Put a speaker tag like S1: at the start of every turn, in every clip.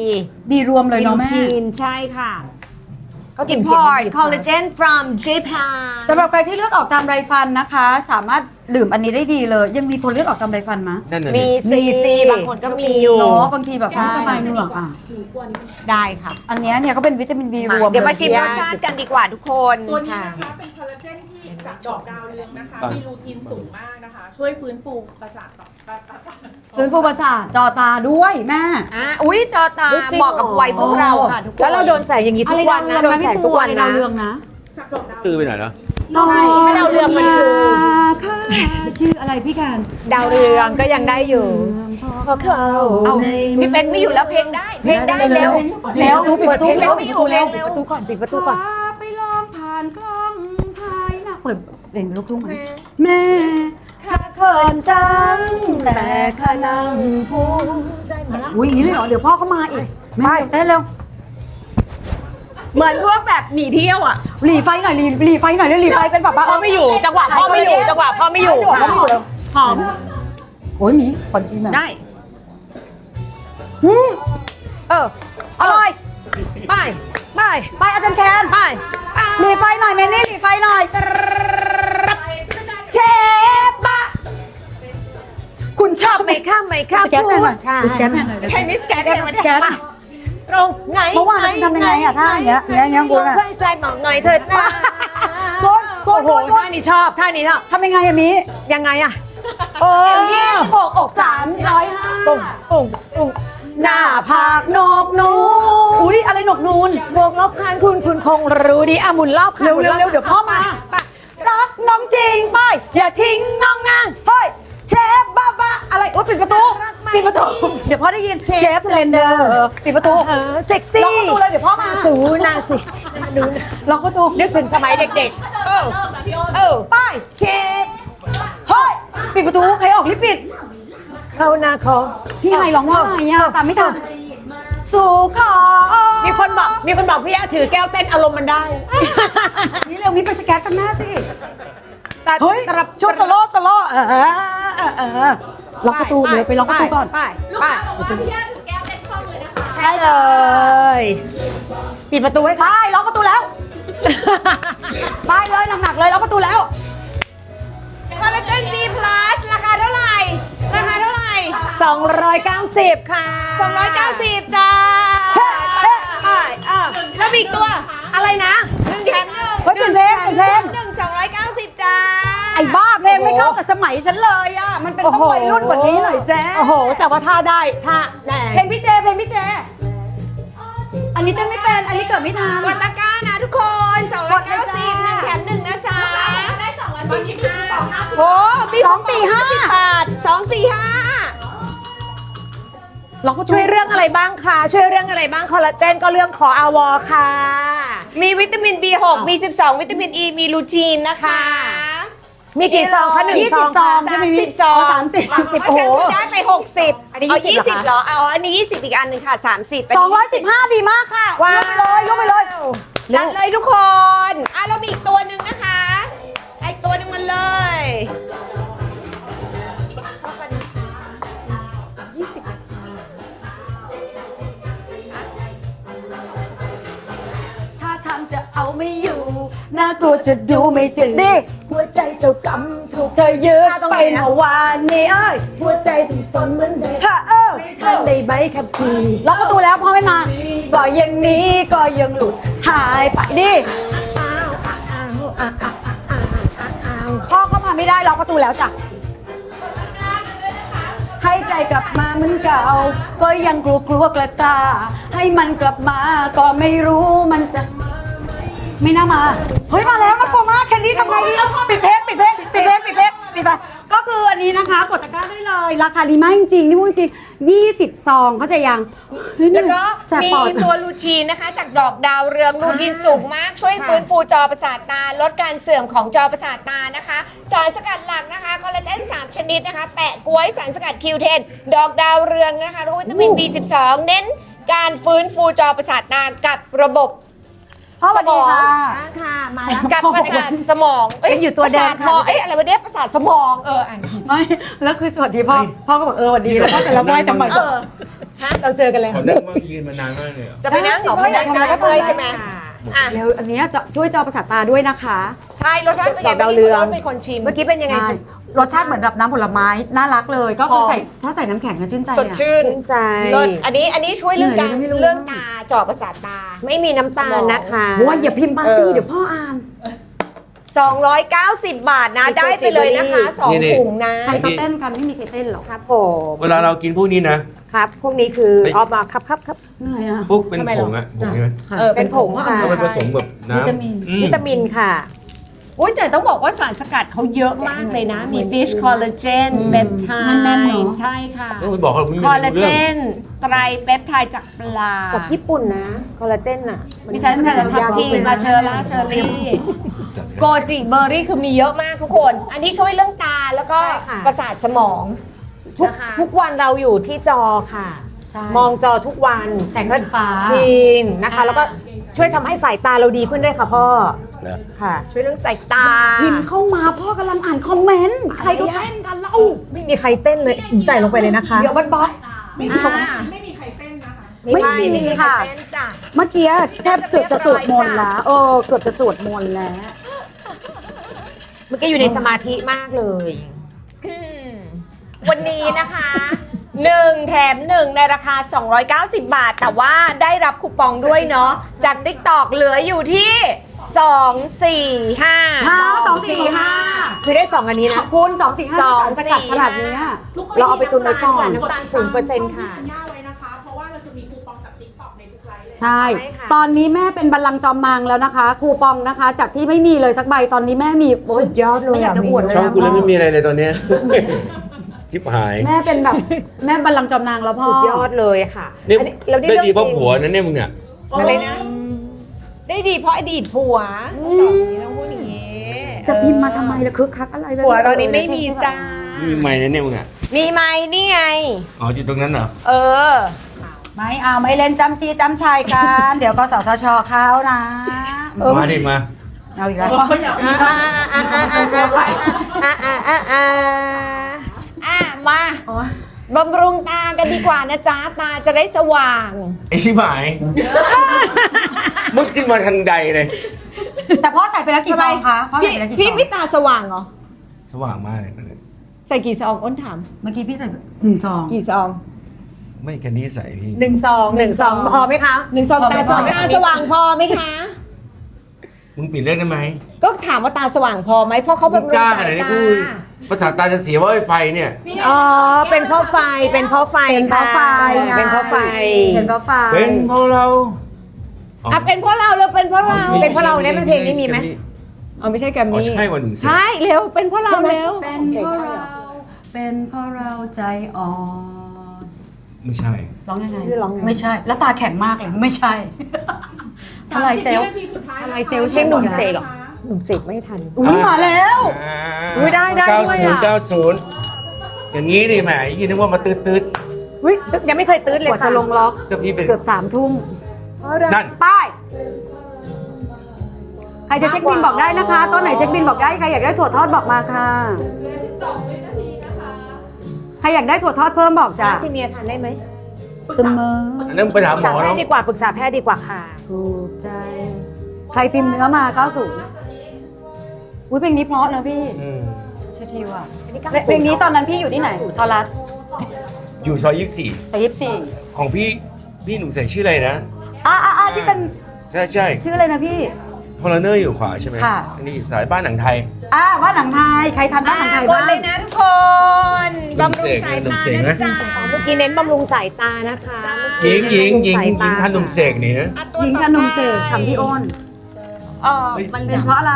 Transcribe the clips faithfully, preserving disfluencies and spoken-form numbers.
S1: บีรวมเลยเนาะแม่
S2: จีนใช่ค่ะ
S3: Import collagen from Japan
S1: สำหรับใครที่เลือดออกตามไรฟันนะคะ สามารถดื่มอันนี้ได้ดีเลย ยังมีคนเลือดออกตามไรฟันมะ
S4: นั่นน่ะ
S3: มี
S4: ดิ
S3: ซีซีบางคนก็มีอยู่
S1: เนาะบางทีแบบไม่สบายเหนือกอ่ะ
S3: ได้ค่ะ
S1: อันเนี้ยเนี่ยก็เป็นวิตามินบีรวม
S3: เดี๋ยวมาชิม
S1: ล
S3: รสชาติกันดีกว่าทุกคน
S5: ตัวนี้นะคะเป็นคอลลาเจนที่จากดอกดาวเรืองนะคะ มีรูทีนสูงมากนะคะ ช่วยฟื้นฟูประสาทต่อประสาท
S1: ฟื้นฟูประสาทจอตาด้วยแม่
S3: อ่ะอุ้ยจอตา
S2: จริงเหรอ
S3: เหมาะกับวัยพวกเราค่ะทุกคน
S2: แล้วเราโดนใส่อย่างนี้ทุกวันนะโดนใส่ทุกวัน
S1: อะไร
S2: นะ
S1: ดาวเรืองนะ
S5: จากดอกดาว
S4: ตื้อไปหน่อยเนาะ
S2: ใช่ถ้าดาวเรืองมันคือ
S1: ค่ะชื่ออะไรพี่การ
S2: ดาวเรืองก็ยังได้อยู่พอเขา
S3: เอาพี่เป็นไม่อยู่แล้วเพลงได้ เพลงได้เร็ว
S1: เร็วปิดประตู
S3: เร็
S1: เร็
S3: ว
S1: ว
S3: ไม่
S1: ปิด
S3: อ
S1: ประ
S3: ยู่
S1: ตู
S3: เร็
S1: เร็
S3: ว
S1: ว
S3: เร็ว
S2: ประตูก่อนปิดประตูก่อน
S1: พาไปลองผ่านกล้องภายหน้าเปิดเด่นลูกทุ่งไหมแม่ข้าเขินจังแต่ข้านั่งพูดอุ้ยอย่างนี้เลยเหรอเดี๋ยวพ่อก็มาอีกแม่เต้นเร็ว
S3: เหมือนพวกแบบหนีเที่ยวอ่ะ
S1: หลีไฟหน่อยหลีหลีไฟหน่อยเร็วหลีไฟเป็นแบบว่า
S2: พ่อไม่อยู่จังหวะพ่อไม่อยู่จังหวะพ่อไม่อยู่
S1: จังหวะพ่อไม่อยู่เร็ว
S2: หอม
S1: โอ้ยหมีขอนจีนแบบ
S3: ได้
S1: อืม
S2: เออ
S1: อร่อย
S2: ไปไป
S1: ไปอาจารย์แคน
S2: ไป
S1: หลีไฟหน่อยเมนี่หลีไฟหน่อยเชฟบะ
S2: คุณชอบไหมข้ามไหมข้าม
S1: สแกนแทนหน่อย
S2: ใช่
S1: สแกนแทนหน่อย
S3: แค่นี้สแกน
S1: สแกนสแกน
S2: ตรงไหน
S1: เมื่อวานเราทำยังไงอะท่าอย่างเงี้ยอย่างเงี้ยคุณอะ
S2: เพื่อใจหมองหน่อยเถิดนะ
S1: โกนโก
S2: โอ้
S1: น
S2: โห
S1: โกนโกน
S2: ท่านี้ชอบท่านี้ชอบ
S1: ทำยังไงอะมิ
S2: ยังไงอะโอ้
S1: ยี่สิบหกอกสามร้อยห้า
S2: ตุ้งตุ้งตุ้งหน้าผากโหนกนูน
S1: อุ้ยอะไรหนกนูน
S2: บวกลบคานคุณคุณคงรู้ดีอ่ะหมุนรอบค่ะ
S1: เร็วเร็วเร็วเดี๋ยวพ่อมารักน้องจริงไปอย่าทิ้งน้องนางเฮ้ยเชฟบ้าบ้าอะไรโอ้ยปิดประตูปิดประตูเดี๋ยวพ่อได้ยินเชฟสเลนเดอร์ปิดประตู
S2: เออเซ็กซี่
S1: ล็อกประตูเลยเดี๋ยวพ่อมา
S2: สูนาสิดูนะ
S1: ล็อกประตู
S2: นึกถึงสมัยเด็ก
S3: เออเออ
S1: ไปเชฟเฮ้ยปิดประตูใครออกรีบปิด
S2: ๆเขานาคอ
S1: พี่ไฮร้องว่าไงอะตามไม่ทันสู่ขอ
S2: มีคนบอกมีคนบอกพี่อาถือแก้วเต้นอารมณ์มันได้
S1: นี่เร็วมีไปสแกนกันหน้าสิ
S2: แต่
S1: เฮ้ย
S2: สำหรับ
S1: ช่วงสโลว์สโลว์เออเออเออเออล็อกประตูเดี๋ยวไปล็อกประตูก่อน
S2: ไปไปใช่เลย ปิดประตูไว้
S1: ไป
S2: ค่ะ
S1: ล็อกประตูแล้วไปเลยหนักๆเลยล็อกประตูแล้ว
S3: คอลลาเจน B plus ราคาเท่าไหร่ ราคาเท่าไหร่
S2: สองร้อยเก้าสิบค่ะ
S3: สองร้อยเก้าสิบจ้า
S2: ใช่อ่ะ
S3: แล้วมีอีกตัว
S2: อะไรนะ
S3: หนึ่งแถมหนึ่ง
S1: เฮ้ยเปลี่ยนเพลงเปลี่ยนเพลง
S3: หนึ่งสองร้อยเก้าสิบจ้า
S1: ไอ้บ้าเพลงไม่เข้ากับสมัยฉันเลยอ่ะมันเป็นต้องวัยรุ่นกว่านี้หน่อยแซ่
S2: โอ้โห แต่ว่าท่าได้ท่าแน่
S1: เพลงพี่เจเพลงพี่เจ อันนี้เต้นไม่เป็นอันนี้เกิดไม่ทัน
S3: กดตะกร้านะทุกคนสองร้อยเก้าสิบหนึ่งแถมหนึ่งนะจ๊ะได้สองร้อยสี่สิบห้าโอ้มี
S1: สองสี่ห้า
S3: บาทสองสี่ห้า
S1: ล็อกประตู
S2: ช่วยเรื่องอะไรบ้างคะช่วยเรื่องอะไรบ้างคอลลาเจนก็เรื่องขออวอค่ะ
S3: มีวิตามิน บี หก มี สิบสอง วิตามิน E มีลูทีนนะคะ
S2: มีกี่ซองคะหนึ่ง
S1: ยี่
S2: ซ
S1: สิ
S2: อบ ง
S1: ซอง
S2: ค่ะ
S1: ใช่ไหม
S3: สิ
S1: พี่
S3: บซอง
S1: สามสิบ
S3: สามสิบ
S2: โอ้
S3: โอ้
S2: โห
S3: โหได้ไปหกสิบ
S2: อันนี้
S3: เอา
S2: ยี่
S3: ยี่
S2: สิ
S3: สิ
S2: บบ เหรอคะ
S3: เหรอเอาอันนี้ยี่สิบอีกอันหนึ่งค่ะสามสิบ
S1: สองร้อยสิบห้าดีมากค่ะ
S2: ว้าวย
S1: กไปเลยยกไปเลย
S3: จัดเลยทุกคนอ่ะเรามีอีกตัวหนึ่งนะคะไอตัวหนึงมันเลยยี่สิบ
S1: ถ้าทำจะเอาไม่อยู่น่ากลัวจะดูไม่จริงดิหัวใจเจ้ากำถูกเธอยืดไปเมื่อวานนี้เอ้ย
S2: หัวใจถึงสนเหมือนเดิม
S1: ฮะเออ
S2: ท่านในใบขับขี่
S1: ล็อกประตูแล้วพ่อไม่มาก็ยังหนี้ก็ยังหลุดหายไปดิพ่อเข้ามาไม่ได้ล็อกประตูแล้วจ้ะให้ใจกลับมาเหมือนเก่าก็ยังกลัวกลัวกระตาให้มันกลับมาก็ไม่รู้มันจะไม่น่ามาเฮ้ยมาแล้วน่ากลัวมากแคนดี้ทำไงดีปิดเพลงปิดเพลงปิดเพลงปิดเพลงปิดไปก็คืออันนี้นะคะกดตะกร้าได้เลยราคาดีมากจริงๆนี่พูดจริงยี่สิบซองเข้าใจยังเฮ้ย
S3: แล้วก็
S1: แสบ
S3: มี
S1: ปอด
S3: ตัวลูทีนนะคะ จากดอกดาวเรืองลูทีนสูงมาก ช่วยฟื้นฟูจอประสาทตา ลดการเสื่อมของจอประสาทตานะคะ สารสกัดหลักนะคะ คอลลาเจนสามชนิดนะคะ แปะกล้วยสารสกัด คิว เทน ดอกดาวเรืองนะคะแล้วก็วิตามิน บี สิบสอง เน้นการฟื้นฟูจอประสาทตากับระบบ
S1: พ่อสวัสดีค่ะ
S2: ค่ะมาแล้ว
S3: กับประสาทสมองเอ้ย
S1: ยังอยู่ตัวแดง
S3: ประสาทคอ
S1: ค่ะ
S3: เอ้ยอะไรวะเนี่ยประสาทสมองเอออ่านผิด
S1: ไม่แล้วคือสวัสดีพ่อพ่อก็บอกเออสวัสดีแล้วพ่อแต่ละไหว้ทำไม
S3: เออ
S2: เราเจอกันเลย
S4: เขา
S2: ค่ะ
S4: นั่งมายืนมานานมากเลยเหรอ
S3: จะไปนั่งหนอไม่ได้ใช่ไหมเพื่อยใช่ไหมอ่ะ
S1: แล้วอันเนี้ยจะช่วยจอประสาทตาด้วยนะคะ
S3: ใช่รสชาติเป็นไง
S2: ดาวเรือง
S3: เป็นคนชิม
S2: เมื่อกี้เป็นยังไง
S1: ใช่รสชาติเหมือนแบบน้ำผลไม้น่ารักเลย ก็คือใส่ถ้าใส่น้ำแข็งก็ชื่นใจ
S3: สด
S1: อะ
S3: ชื่น
S2: ชื่นใจ
S3: รสอันนี้อันนี้ช่วยเรื่องการ
S1: เหนื่อยเลยไม่รู้
S3: เรื่องตาเจาะประสาทตา
S2: ไม่มีน้ำตาลนะคะ
S1: โอ้ยอย่าพิมพ์มาสิ
S3: เออ
S1: เดี๋ยวพ่ออ่าน
S3: สองร้อยเก้าสิบบาทนะ
S2: มี
S3: ได้ไปเลยนะคะสอง
S4: นี่ๆ
S3: ถุงนะ
S1: ใครเขาเต้นกันไม่มีใครเต้นหรอก
S2: ครับผม
S4: เวลาเรากินพวกนี้นะ
S2: ครับ พวกนี้คือ
S4: เฮ้ย
S2: ออกมาครับครับครับ
S1: เหนื่อยอ่ะ
S4: พวกเป็นผงอะผงใช่ไหม
S3: เออ
S2: เป็นผงค่ะ
S4: เอาไปผสมแบบน้ำ
S1: วิตามิน
S4: อื
S2: วิตามินค่ะ
S6: โอ้ยแต่ต้องบอกว่าสารสกัดเขาเยอะมากเลยนะ มีฟิชคอลลาเจนเปปไท
S1: แน่นๆเนอะ
S6: ด์ใช่ค่ะ
S4: ต้องไปบอกเขาไม่
S6: คอล
S4: รู้
S6: ลาเจ
S4: เรื่อง
S6: นไตรเปปไทด์จากปลา
S2: จากญี่ปุ่นนะ คอลลาเจนอ่ะ
S6: มีสารสกัดจากทับทิมมาเชอร์ล่าเชอร์รี่โกจิเบอร์รี่คือมีเยอะมากทุกคน
S3: อันนี้ช่วยเรื่องตาแล้วก็
S2: ใช่ค่ะ
S3: ประสาทสมอง
S2: ทุก
S3: นะคะ
S2: ทุกวันเราอยู่ที่จอค่ะ
S1: ใช่
S2: มองจอทุกวัน
S1: แสงสีฟ้า
S2: จริงนะคะ แล้วก็ช่วยทำให้สายตาเราดีขึ้นด้วยค่ะพ่อ
S4: นะ
S2: ค่ะ
S3: ช่วยเรื่องสายตา
S1: พิมพ์เข้ามาพ่อกำลังอ่านคอมเมนต์ใครก็เต้นกันเล่า
S2: ไม่มีใครเต้นเลยใส่ลงไปเลยนะคะ
S1: เดี๋ยวบัดบัด
S5: ไม่มีไม่มีใครเต้นนะคะ
S1: ไม่
S3: ใช่
S1: มี
S3: ไม่มี
S1: ค่ะ
S3: เต้นจ้ะ
S1: เมื่อกี้แทบเกือบจะสวดมนต์แล้วเออเกือบจะสวดมนต์แล้ว
S2: เมื่อกี้อยู่ในสมาธิมากเลย
S3: อืมวันนี้นะคะหนึ่งแถมหนึ่งในราคา สองร้อยเก้าสิบบาท แต่ว่าได้รับคูปองด้วยเนาะจาก TikTok เหลืออยู่ที่ สอง สี่ ห้า
S1: ห้าสองสี่ห้า
S2: คือได้สองอันนี้
S1: ข
S2: นะ
S1: อบคุณสองสี่ห้า
S3: สอง
S1: สกัด
S3: สี่
S1: ขนาดเนี้ย
S5: ทุกคน
S2: เราเอาไปตุนไว้ก่อน
S5: ที่
S2: น้ำตาลศูนย์เปอร์เซ็นต์ค่ะ
S5: ณย่าไว้นะคะ เพราะว่าเราจะมีคูปองจาก TikTok ในทุกไลฟ์เลย
S1: ใช่
S2: ใช่ค่ะ
S1: ตอนนี้แม่เป็นบัลลังก์จอมมังแล้วนะคะ คูปองนะคะ จากที่ไม่มีเลยสักใบตอนนี้แม่มีโอ้ย
S2: สุดยอดเลย
S1: ไม่อยากจะอวดเลย
S4: ช่อง
S1: นะ
S4: กูแล้วไม่มีอะไรเลยตอนเนี้ย จิ๊บหาย
S1: แม่เป็นแบบแม่บัลลังก์จอมนางแล้วพ่อ
S2: สุดยอดเลยค่ะ
S4: นี่
S2: อันนี้เราได้
S4: ได้
S2: เรื่อง
S4: ดีเพราะ
S2: จริง
S4: ผัวนั่นเนี่ยมึงเนี่ย
S3: อะไรนะ ได้ดีเพราะอดีตผัวต้องอย่างนี้ต้องพูดอย่างนี้
S1: จะพิมพ์มาทำไมล่ะคึกคักอะไรแบบ
S3: ผัวตอนนี้ไม่มีจ้า
S4: ไม่มีไม่นั่นเนี่ยมึงอ่ะ
S3: มีไหมนี่ไง
S4: อ๋อจุดตรงนั้นเหรอ
S3: เออ
S1: ไม่เอาไม่เล่นจำจีจำชายกัน เดี๋ยวกสทชเขานะ
S4: มาดิมา
S1: เอาอีกแล้ว
S2: อ่าอ่าอ่าอ่า
S3: อ่ะมาบำรุงตากันดีกว่านะจ๊ะ ตาจะได้สว่าง
S4: ไอชิบหาย มึงขึ้นมาทันใดเลย
S1: แต่พ่อใส่ไปแล้วกี่ซองคะพ่อใส่
S3: พี่
S1: ไปแล้วกี่ซ
S3: พี่
S1: อง
S3: พี่ตาสว่างเหรอ
S4: สว่างมากเลย
S3: ใส่กี่ซองอ้นถาม
S1: เมื่อกี้พี่ใส่หนึ่งซอง
S3: กี่ซอง
S4: ไม่แค่นี้ใส่พี่
S2: หนึ่งสองหนึ่งสองพอไหมคะ
S3: หนึ่งซองตาสองตาสว่างพอไหมคะ
S4: มึงปิดเรื่องได้ไหม
S3: ก็ถามว่าตาสว่างพอไหมเพราะเขา
S4: มึ
S3: บำ
S4: ง
S3: รุง
S4: จ้าง
S3: สา
S4: อะไร
S3: ย
S4: เนี่ย
S3: ตา
S4: กูภาษาตาจะเสียว่าไอ้ไฟเนี่ย
S2: อ๋อ เป็นเพราะไฟ เป็นเพราะไฟ
S1: เป็นเพราะไฟ
S2: ค่ะ
S1: ไง
S2: เป็นเพราะไฟ
S1: เป็นเพราะไฟ
S4: เป็นเพราะเรา
S3: อ่ะเป็นเพราะเราเลยเป็นเพราะเรา เป็นเพราะเราเนี่ยมันเพลงนี้มีไหมอ๋อไม่ใช่แกรม
S4: อ๋อ
S3: มี่
S4: ใช่วันหนึ่งสิ
S3: ใช่เร็วเป็นเพราะเราเร็ว
S1: เป็นเพราะเราเป็นเพราะเราใจอ่อน
S4: ไม่ใช่
S1: ร้องยังไง
S2: ชื่อร้องไง
S1: ไม่ใช่ แล้วตาแข็งมากเลยไม่ใช่ อะไรเซลล์
S5: สามสิบวินาทีสุดท้าย
S1: อะไร
S5: นะคะ
S1: เซลล์
S2: เพลงหนุ่มเสกเหรอ หนุ่มเสกไม่ทัน
S1: อุ้ยมาแล้ว
S2: อุ๊ยได้ได้
S4: เก้า
S2: ด้วย
S4: ศูน
S2: อะ
S4: ย์เก้าศูนย์อย่างนี้ดิแหมยี่นึกว่ามาตืดตืด
S2: อุ๊ยยังไม่เคยตื้นเลย
S1: กว่า
S2: ค่ะ
S1: จะลงล็อก
S4: ก็พี่เป็น
S1: เกือบสามทุ่ม
S4: นั่น
S1: ป้ายใครจะเช็คบินบอกได้นะคะต้นไหนเช็คบินบอกได้ใครอยากได้ถั่วทอดบอกมาค่ะใครอยากได้ถั่วทอดเพิ่มบอกจ้ะ
S2: ซีเมียทานได้ไหม
S1: เสมอ
S4: อันนั้นไปถาม
S2: ปรึก
S4: หม
S2: ษา
S4: อ
S2: แพท
S4: เนาะ
S2: ย์ดีกว่าปรึกษาแพทย์ดีกว่าค่ะ
S1: ถูกใจ ใครพิมพ์เนื้อมาเก้าสิบอุ้ยเพลงนี้เพราะนะพี่
S4: อืม
S1: ชิวๆอ่ะเพลงนี้ตอนนั้นพี่อยู่ที่ไหนทอรัส
S4: อยู่ซอยยี่สิบสี่
S1: แต่ยิบสี่
S4: ของพี่พี่หนุ่มใส่ชื่ออะไรนะ
S1: อ่าอ่าที่เป็น
S4: ใช่ใช่
S1: ชื่ออะไรนะพี่
S4: พลเนอร์อยู่ขวาใช่ไหม
S1: ค่ะ
S4: อันนี้อยู่สายบ้านหนังไทย
S1: อ่าบ้านหนังไทยใครทันบ้านหนังไทย
S3: กด
S1: บ้าง
S3: เลยนะทุกคนบำรุงสาย
S4: หนุ่ม
S3: ตา
S4: เสก
S3: นะ
S4: นะ
S3: จ๊ะ
S2: เมื่อกี้เน้นบำรุงสายตานะคะ
S4: หญิงหญิงหญิง
S2: บำรุสา
S4: หญิ
S2: ตาง
S4: ท่านหนุ่มเสกนี่นะ
S3: อ่ะตัว
S1: หญิง
S3: ต่อ
S1: ขนมเสก
S3: ไป
S1: ทำพี่อ้น
S3: เออมัน
S1: เป็นเพราะอะไร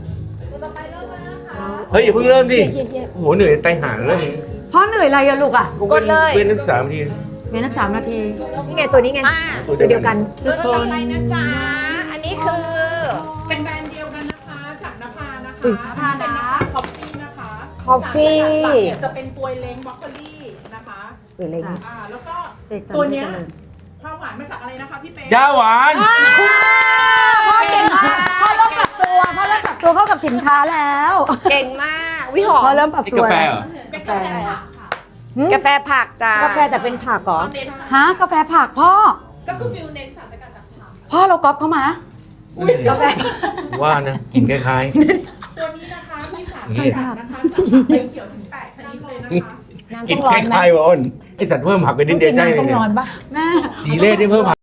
S4: เฮ้ยอย่าเพิ่งเริ่มดิโอ้โหเหนื่อยไตหาเรื่องนี้
S1: เพราะเหนื่อยอะไรอะลูกอะ
S4: กูเป็นเว้นนักศึกษาบางที
S1: เว้นนักสามนาที
S2: นี่ไงตัวนี้ไง
S3: อ่ะ
S4: ตัว
S2: ตัว
S4: เดี
S2: เดี
S4: ย
S2: ยว ว
S4: กั
S2: กัน น
S3: ตัวต่อไปนะจ๊ะ อันนี้คือ
S5: เป็นแบรนด์เดียวกันนะคะ จากนภานะคะ
S1: อุ๊ยนภานะ
S5: คอฟฟี่นะคะ
S2: Coffee
S5: สารสกัดหลักเนี่ยจะเป็นตัวเล้งบล็อกโคลี่นะคะ
S2: หรืออะไรนี่
S5: อ่า แล้วก็
S1: เสกสรร
S5: ตัวเนี้ย
S1: เจริญ
S5: ความหวานมาจากอะไรนะคะพี่เป๊
S4: ยาหวาน
S1: พ่อเก่งมากพ่อเริ่มปรับตัวพ่อเริ่มปรับตัวเข้ากับสินค้าแล้ว
S3: เก่งมากวิหอ
S1: พ่อ
S3: ม
S1: เริ่มปรับ
S4: ไอ้
S1: ตัว
S4: กาแฟ
S1: แล้ว
S4: เหรอ
S5: เป็นกาแฟค่ะ
S4: อ
S2: กาแฟผักจ้าก
S6: าแฟแต่เป็นผักเหรอ
S1: ฮะกาแฟผักพ่อ
S5: ก็คือฟิลเน้นสารสกัดจากผัก
S1: พ่อเราก๊อปเข้ามา กาแฟ
S4: ว่านะกินคล้าย
S5: ตัวนี้นะคะมีสาร
S4: ๆ
S5: ส
S4: นี่
S5: กัดนะคะจากใบเขียวถึงแปดชนิดเลยนะคะ
S6: น้ำ
S4: กิ
S6: ต้
S4: น
S6: อง
S4: ค
S6: ร้อนไหม
S4: ล้ายๆวะอ้นไอสัตว์เพิ่มผักไปนิดเดียวใช่
S6: น้ำ
S4: เลย
S6: ต้อง
S4: เนี่ย
S6: ร้อนปะ
S1: แม่
S4: สีเลสได้เพิ่มผัก